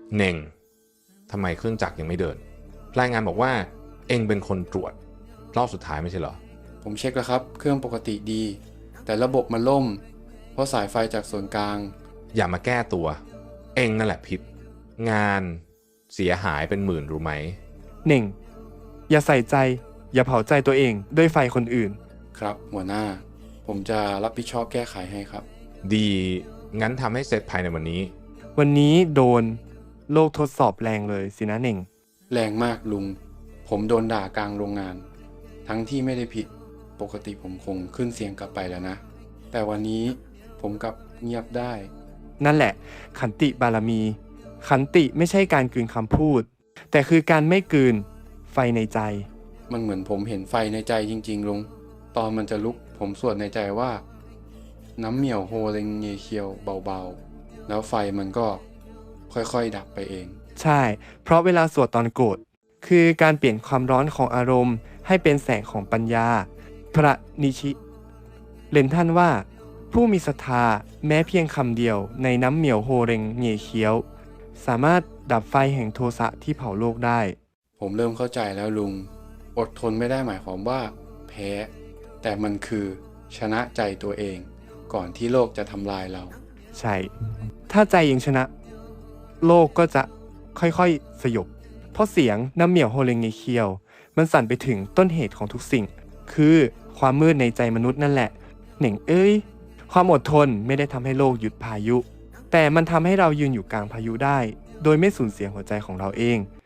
เน่งทำไมเครื่องจักรยังไม่เดินรายงานบอกว่าเองเป็นคนตรวจรอบสุดท้ายไม่ใช่เหรอผมเช็คแล้วครับเครื่องปกติดีแต่ระบบมันล่มเพราะสายไฟจากส่วนกลางอย่ามาแก้ตัวเองนั่นแหละผิดงานเสียหายเป็นหมื่นรู้ไหมเน่งอย่าใส่ใจอย่าเผาใจตัวเองด้วยไฟคนอื่นครับหัวหน้าผมจะรับผิดชอบแก้ไขให้ครับดีงั้นทำให้เสร็จภายในวันนี้วันนี้โดนโลกทดสอบแรงเลยสินะเน่งแรงมากลุงผมโดนด่ากลางโรงงานทั้งที่ไม่ได้ผิดปกติผมคงขึ้นเสียงกลับไปแล้วนะแต่วันนี้ผมกลับเงียบได้นั่นแหละขันติบารมีขันติไม่ใช่การกลืนคำพูดแต่คือการไม่กลืนไฟในใจมันเหมือนผมเห็นไฟในใจจริงๆลุงตอนมันจะลุกผมสวดในใจว่าน้ำเหมี่ยวโฮเรงเงเคียวเบาๆแล้วไฟมันก็ค่อยๆดับไปเองใช่เพราะเวลาสวดตอนโกรธคือการเปลี่ยนความร้อนของอารมณ์ให้เป็นแสงของปัญญาพระนิชิเล่นท่านว่าผู้มีศรัทธาแม้เพียงคำเดียวในน้ำเหมี่ยวโฮเรงเงเคียวสามารถดับไฟแห่งโทสะที่เผาโลกได้ผมเริ่มเข้าใจแล้วลุงอดทนไม่ได้หมายความว่าแพ้แต่มันคือชนะใจตัวเองก่อนที่โลกจะทำลายเราใช่ถ้าใจยังชนะโลกก็จะค่อยๆสยบเพราะเสียงน้ำเหมี่ยวโฮเรงเงเคียวมันสั่นไปถึงต้นเหตุของทุกสิ่งคือความมืดในใจมนุษย์นั่นแหละเหน่งเอ้ยความอดทนไม่ได้ทำให้โลกหยุดพายุแต่มันทำให้เรายืนอยู่กลางพายุได้โดยไม่สูญเสียหัวใจของเราเอง